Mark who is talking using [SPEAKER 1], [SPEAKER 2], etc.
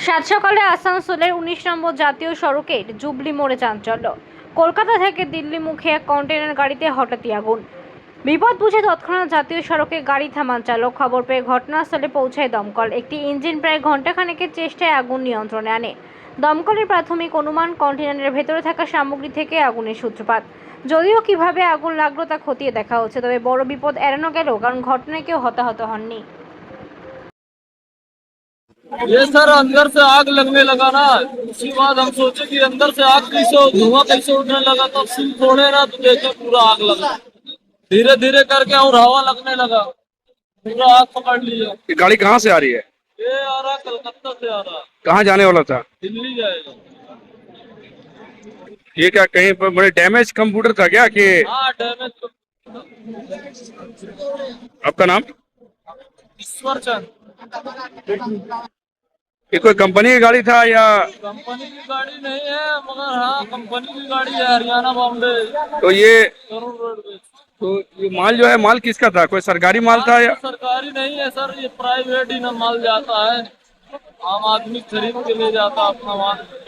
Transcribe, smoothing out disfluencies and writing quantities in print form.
[SPEAKER 1] সাত সকালে আসানসোলের ১৯ নম্বর জাতীয় সড়কের জুবলি মোড়ে চাঞ্চল্য। কলকাতা থেকে দিল্লি মুখে এক কন্টেনার গাড়িতে হঠাৎই আগুন। বিপদ বুঝে তৎক্ষণাৎ জাতীয় সড়কে গাড়ি থামান চালক। খবর পেয়ে ঘটনাস্থলে পৌঁছায় দমকল। একটি ইঞ্জিন প্রায় ঘণ্টাখানেকের চেষ্টায় আগুন নিয়ন্ত্রণে আনে। দমকলের প্রাথমিক অনুমান, কন্টেনারের ভেতরে থাকা সামগ্রী থেকে আগুনের সূত্রপাত। যদিও কিভাবে আগুন লাগলো তা খতিয়ে দেখা হচ্ছে, তবে বড় বিপদ এড়ানো গেল, কারণ ঘটনায় কেউ হতাহত হননি।
[SPEAKER 2] ये सर अंदर से आग लगने लगा ना, उसके बाद हम सोचे कि अंदर से आग कैसे, धुआं कैसे उठने लगा। तो सिल छोड़े ना तो देखे पूरा आग लगा। धीरे धीरे करके और हवा लगने लगा, पूरा आग पकड़ लिया।
[SPEAKER 3] ये गाड़ी कहाँ से आ रही है?
[SPEAKER 2] ये आ रहा कलकत्ता से आ रहा,
[SPEAKER 3] कहाँ जाने वाला था?
[SPEAKER 2] दिल्ली जाएगा।
[SPEAKER 3] ये क्या कहीं पर बड़े डैमेज कंप्यूटर था क्या कि?
[SPEAKER 2] हाँ डैमेज।
[SPEAKER 3] आपका नाम?
[SPEAKER 2] ईश्वर चंद।
[SPEAKER 3] ये कोई कंपनी की गाड़ी था या?
[SPEAKER 2] कंपनी की गाड़ी नहीं है, मगर हाँ कंपनी की गाड़ी है, हरियाणा बॉम्बे
[SPEAKER 3] तो ये
[SPEAKER 2] करोड़ रोडवेज।
[SPEAKER 3] तो ये माल जो है, माल किसका था? कोई सरकारी माल था या?
[SPEAKER 2] सरकारी नहीं है सर, ये प्राइवेट ही ना माल जाता है, आम आदमी खरीद के ले जाता अपना माल।